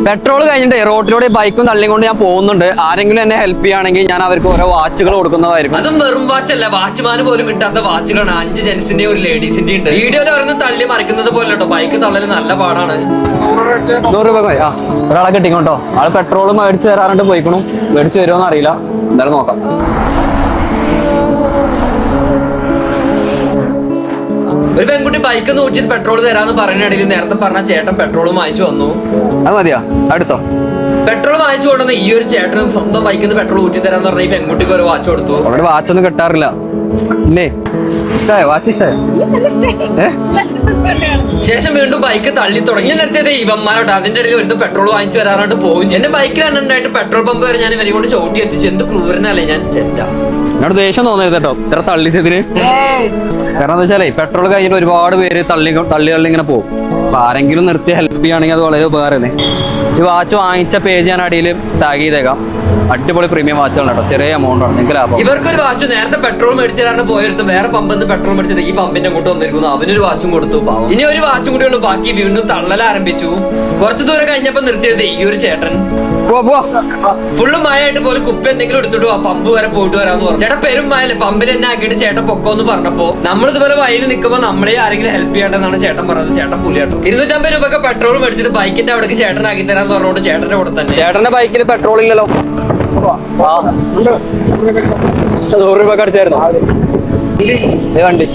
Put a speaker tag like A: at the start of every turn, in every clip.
A: Petrol കഴിഞ്ഞിട്ട് റോഡിലൂടെ ബൈക്കും തള്ളിയും കൊണ്ട് ഞാൻ പോകുന്നുണ്ട്. ആരെങ്കിലും എന്നെ ഹെൽപ്പ് ചെയ്യുകയാണെങ്കിൽ ഞാൻ അവർക്ക് ഓരോ വാച്ചുകൾ കൊടുക്കുന്നതായിരിക്കും.
B: അതും വെറും വാച്ച് അല്ല, വാച്ച്മാന് പോലും കിട്ടാത്ത വാച്ചുകളാണ്. 5 ജെൻസിന്റെയും ഒരു ലേഡീസിന്റെയും ഉണ്ട്. വീഡിയോയിൽ പറഞ്ഞ് തള്ളി മറിക്കുന്നത് പോലെ കേട്ടോ. ബൈക്ക് തള്ളല് നല്ല പാടാണ്.
A: 100 രൂപ ഒരാളെ കിട്ടിക്കോട്ടോ. ആള് പെട്രോൾ മേടിച്ച് തരാറുണ്ട്, പോയിക്കണു. മേടിച്ച് വരുമോന്ന് അറിയില്ല, എന്തായാലും നോക്കാം.
B: ഒരു പെൺകുട്ടി ബൈക്ക് നോക്കിയിട്ട് പെട്രോൾ തരാന്ന് പറയുന്നിടയിൽ നേരത്തെ പറഞ്ഞ ചേട്ടൻ പെട്രോൾ വാങ്ങിച്ചു വന്നു.
A: അത് മതിയാ, അടുത്തോ.
B: പെട്രോൾ വാങ്ങിച്ചു കൊണ്ടുവന്ന ഈ ഒരു ചേട്ടനും സ്വന്തം ബൈക്കിൽ നിന്ന് പെട്രോൾ ഊറ്റി തരാന്ന് പറഞ്ഞ ഈ പെൺകുട്ടിക്ക് ഒരു വാച്ച് കൊടുത്തു.
A: അവിടെ വാച്ചൊന്നും കിട്ടാറില്ല ഇല്ലേ? വാച്ച് ഇഷ്ടായോ?
B: ശേഷം വീണ്ടും ബൈക്ക് തള്ളി തുടങ്ങി. നിർത്തിയത് ഇവന്മാരോട്ട്. അതിന്റെ ഇടയിൽ ഒരു പെട്രോൾ വാങ്ങിച്ചു വരാറാണ്ട് പോകും. എന്റെ ബൈക്കിലാണ് ഉണ്ടായിട്ട് പെട്രോൾ പമ്പ് വരെ ഞാൻ ഇവരെ കൊണ്ട് ചവിട്ടി എത്തിച്ചു. എന്ത് ക്രൂരനല്ലേ ഞാൻ.
A: എന്നോട് ദേഷ്യം തോന്നരുത് കേട്ടോ ഇത്ര തള്ളിച്ചതിന്. കാരണം എന്താ വെച്ചാലേ പെട്രോൾ കഴിഞ്ഞിട്ട് ഒരുപാട് പേര് തള്ളി ഇങ്ങനെ പോകും. അപ്പൊ ആരെങ്കിലും നിർത്തി ഹെൽപ്പ് ചെയ്യുകയാണെങ്കിൽ അത് വളരെ ഉപകാരമല്ലേ. ഈ വാച്ച് വാങ്ങിച്ച പേജ് ഞാൻ അടിയിൽ ടാഗ് ചെയ്തേക്കാം. അടിപൊളി പ്രീമിയം വാച്ചുകളാണ് കേട്ടോ, ചെറിയ എമൗണ്ട് ആണ്, നിങ്ങൾക്ക് ലാഭം.
B: ഇവർക്കൊരു വാച്ച് നേരത്തെ പെട്രോൾ മേടിച്ചാണ് പോയെടുത്ത് വേറെ പമ്പിൽ പെട്രോൾ മേടിച്ചത് ഈ പമ്പിന്റെ അങ്ങോട്ട് വന്നിരിക്കുന്നു. അവനൊരു വാച്ചും കൊടുത്തു. പാവം. ഇനി ഒരു വാച്ചും കൂടി ഉള്ളു ബാക്കി. വീണ്ടും തള്ളൽ ആരംഭിച്ചു. കുറച്ചു ദൂരം കഴിഞ്ഞപ്പോ നിർത്തിയത് ഈ ഒരു ചേട്ടൻ. ഫുള്ള് മഴയായിട്ട് പോലും കുപ്പി എന്തെങ്കിലും എടുത്തിട്ട് ആ പമ്പ് വരെ പോയിട്ട് വരാന്ന് പറഞ്ഞു. ചേട്ടാ പെരും മഴയല്ലേ, പമ്പിൽ എന്നെ ആക്കിയിട്ട് ചേട്ടൻ പൊക്കോന്ന് പറഞ്ഞപ്പോ നമ്മൾ ഇതുപോലെ വയലിൽ നിൽക്കുമ്പോൾ നമ്മളെ ആരെങ്കിലും ഹെൽപ്പ് ചെയ്യേണ്ടതെന്നാണ് ചേട്ടൻ പറഞ്ഞത്. ചേട്ടൻ പുലിയാട്ടോ. 250 രൂപക്ക് പെട്രോൾ മേടിച്ചിട്ട് ബൈക്കിന്റെ അവിടേക്ക് ചേട്ടൻ ആക്കി തരാന്ന് പറഞ്ഞോണ്ട് ചേട്ടന്റെ കൂടെ തന്നെ.
A: ചേട്ടന്റെ ബൈക്കിൽ പെട്രോൾ ഇല്ലല്ലോ. 100 രൂപ അടിച്ചായിരുന്നു വണ്ടി.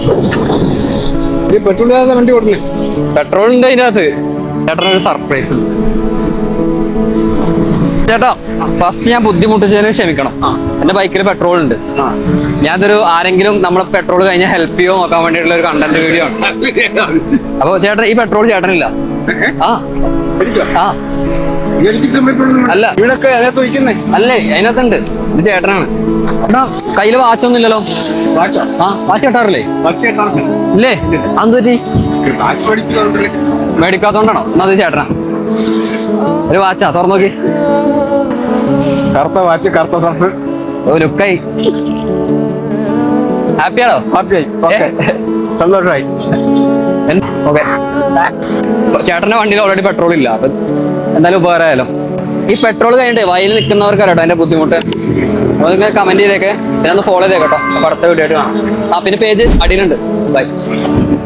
A: പെട്രോൾ ഉണ്ട് അതിനകത്ത്. ചേട്ടനൊരു സർപ്രൈസ്. ചേട്ടാ ഫസ്റ്റ് ഞാൻ ബുദ്ധിമുട്ടിച്ചതിന് ക്ഷമിക്കണം. എന്റെ ബൈക്കിൽ പെട്രോൾ ഉണ്ട്. ഞാനതൊരു ആരെങ്കിലും നമ്മളെ പെട്രോൾ കഴിഞ്ഞാൽ ഹെൽപ്പ് ചെയ്യോ നോക്കാൻ വേണ്ടിയിട്ടുള്ള ഒരു കണ്ടന്റ് വീഡിയോ ആണ്. അപ്പൊ ചേട്ടൻ ഈ പെട്രോൾ ചേട്ടനില്ല. അല്ല അല്ലേ, അതിനകത്തുണ്ട്. ഇത് ചേട്ടനാണ്. എടാ കയ്യില് വാച്ചൊന്നും ഇല്ലല്ലോ. വാച്ച് കെട്ടാറില്ലേ? ഇല്ലേ? അതെന്തുപറ്റി? മേടിക്കാത്തോണ്ടാണോ? എന്നാ അത് ചേട്ടനാ. ഒരു വാച്ചാ, തുറന്നു നോക്കി.
C: കറുത്ത വാച്ച്, കറുത്ത ഷർട്ട്.
A: ലുക്കായി. ഹാപ്പിയാണോ?
C: ഹാപ്പിയായി, സന്തോഷമായി.
A: ഓക്കെ. ചേട്ടന്റെ വണ്ടിയിൽ ഓൾറെഡി പെട്രോൾ ഇല്ല. അപ്പൊ എന്തായാലും ഉപകാരമായാലും. ഈ പെട്രോൾ കഴിഞ്ഞിട്ട് വയലിൽ നിൽക്കുന്നവർക്ക് അറിയാട്ടോ അതിന്റെ ബുദ്ധിമുട്ട്. അപ്പൊ നിങ്ങൾ കമന്റ് ചെയ്തേക്കെ, പിന്നെ ഒന്ന് ഫോളോ ചെയ്തേക്കട്ടോ. അപ്പൊ അടുത്ത വീഡിയോ ആയിട്ട് കാണാം. പിന്നെ പേജ് അടിയിലുണ്ട്. ബൈ.